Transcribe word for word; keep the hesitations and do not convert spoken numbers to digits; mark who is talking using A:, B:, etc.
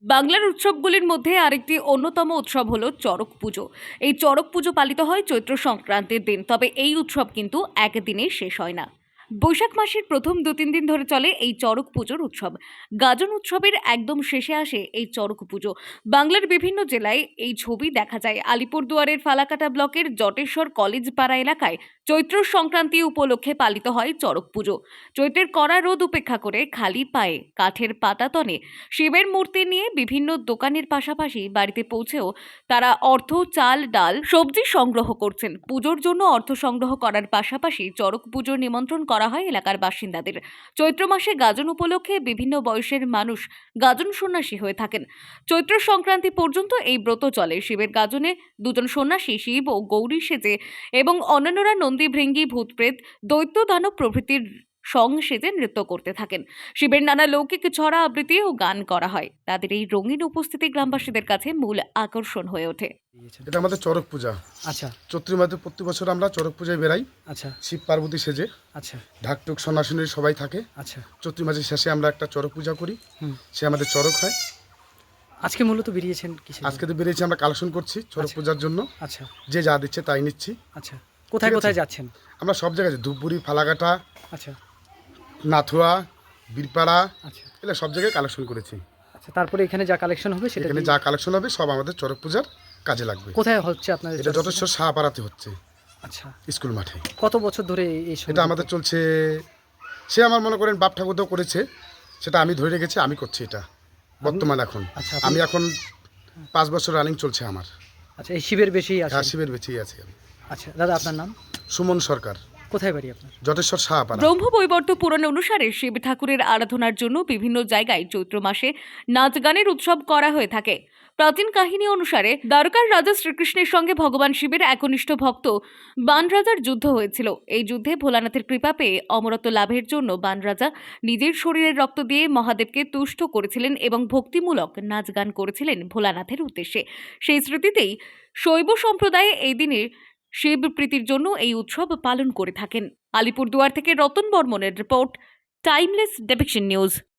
A: বাংলার উৎসবগুলির মধ্যে আরেকটি অন্যতম উৎসব হলো চড়ক পুজো। এই চড়ক পুজো পালিত হয় চৈত্র সংক্রান্তির দিন, তবে এই উৎসব কিন্তু একদিনে শেষ হয় না। বৈশাখ মাসের প্রথম দু তিন দিন ধরে চলে এই চড়ক পুজোর উৎসব। গাজন উৎসবের একদম শেষে আসে এই চড়ক পুজো। বাংলার বিভিন্ন জেলায় এই ছবি দেখা যায়। আলিপুরদুয়ারের ফালাকাটা ব্লকের জটেশ্বর কলেজ পাড়া এলাকায় চৈত্র সংক্রান্তি উপলক্ষে পালিত হয় চড়ক পুজো। চৈত্রের কড়া রোদ উপেক্ষা করে খালি পায়ে কাঠের পাতাতনে শিবের মূর্তি নিয়ে বিভিন্ন দোকানের পাশাপাশি বাড়িতে পৌঁছেও তারা অর্থ, চাল, ডাল, সবজি সংগ্রহ করছেন। পুজোর জন্য অর্থ সংগ্রহ করার পাশাপাশি চড়ক পুজোর নিমন্ত্রণ করা হয় এলাকার বাসিন্দাদের। চৈত্র মাসে গাজন উপলক্ষে বিভিন্ন বয়সের মানুষ গাজন সন্ন্যাসী হয়ে থাকেন। চৈত্র সংক্রান্তি পর্যন্ত এই ব্রত চলে। শিবের গাজনে দুজন সন্ন্যাসী শিব ও গৌরী সেজে এবং অন্যান্যরা নন্দী, ভৃঙ্গি, ভূতপ্রেত, দৈত্য, দানব প্রভৃতির সং সেজে নৃত্য করতে থাকেন। শিবের নানা লৌকিক ছড়া আবৃত্তি ও গান করা হয়। তাদের এই রঙিন উপস্থিতি গ্রামবাসীদের কাছে মূল আকর্ষণ হয়ে ওঠে।
B: এটা আমাদের চড়ক পূজা।
C: আচ্ছা
B: চৈত্রের মাসে প্রতি বছর আমরা চড়ক পূজায় বেরাই।
C: আচ্ছা
B: শিব পার্বতী সেজে
C: আচ্ছা
B: ঢাকটুক সন্ন্যাসিনী সবাই থাকে।
C: আচ্ছা
B: চৈত্র মাসের শেষে আমরা একটা চড়ক পূজা করি,
C: হুম
B: সে আমাদের চড়ক হয়।
C: আজকে মূলত বেরিয়েছেন কিসের
B: আজকে তো বেরিয়েছি, আমরা কালেকশন করছি চড়ক
C: আচ্ছা।
B: পূজার জন্য।
C: আচ্ছা
B: যে যা দিচ্ছে তাই নিচ্ছি।
C: আচ্ছা কোথায়
B: ঠিক আছে।
C: কোথায় যাচ্ছেন?
B: আমরা সব জায়গায় যাই, ধূপগুড়ি, ফালাকাটা,
C: আচ্ছা
B: নাথুয়া, বীরপাড়া,
C: আচ্ছা
B: এগুলো সব জায়গায় কালেকশন করেছি।
C: আচ্ছা তারপরে এখানে যা কালেকশন হবে সেটা
B: এখানে
C: দিয়ে-
B: যা কালেকশন হবে সব আমাদের চড়ক পূজার কাজে লাগবে।
C: কোথায় হচ্ছে আপনাদের
B: এটা
C: চড়ক
B: যথেষ্ট
C: পূজা?
B: সাহাপাড়াতে হচ্ছে,
C: আচ্ছা
B: স্কুল মাঠে।
C: কত বছর ধরে এই- এই
B: এটা আমাদের চলছে, সে আমার মনে করেন বাপ ঠাকুরদাও করেছে, সেটা আমি ধরে রেখেছি, আমি করছি এটা বর্তমান এখন।
C: আচ্ছা, আপনি-
B: আমি এখন পাঁচ বছর রানিং চলছে আমার।
C: আচ্ছা এই শিবের বেশি আছে?
B: হ্যাঁ, শিবের বেঁচেই আছি আমি।
C: আচ্ছা দাদা আপনার নাম?
B: সুমন সরকার,
C: কোথায় বাড়ি আপনার?
B: জটেশ্বর সাহাপাড়া।
A: ব্রহ্মবৈবর্ত পুরাণ অনুসারে শিব ঠাকুরের আরাধনার জন্য বিভিন্ন জায়গায় চৈত্র মাসে নাচ গানের উৎসব করা হয়ে থাকে। প্রাচীন কাহিনী অনুসারে দ্বারকার রাজা শ্রীকৃষ্ণের সঙ্গে ভগবান শিবের একনিষ্ঠ ভক্ত বানরাজার যুদ্ধ হয়েছিল। এই যুদ্ধে ভোলানাথের কৃপা পেয়ে অমরত্ব লাভের জন্য বানরাজা নিজের শরীরের রক্ত দিয়ে মহাদেবকে তুষ্ট করেছিলেন এবং ভক্তিমূলক নাচ গান করেছিলেন ভোলানাথের উদ্দেশ্যে। সেই স্মৃতিতেই শৈব সম্প্রদায়ে এই দিনে শিব প্রীতির জন্য এই উৎসব পালন করে থাকেন। আলিপুরদুয়ার থেকে রতন বর্মনের রিপোর্ট, টাইমলেস ডেপিকশন নিউজ।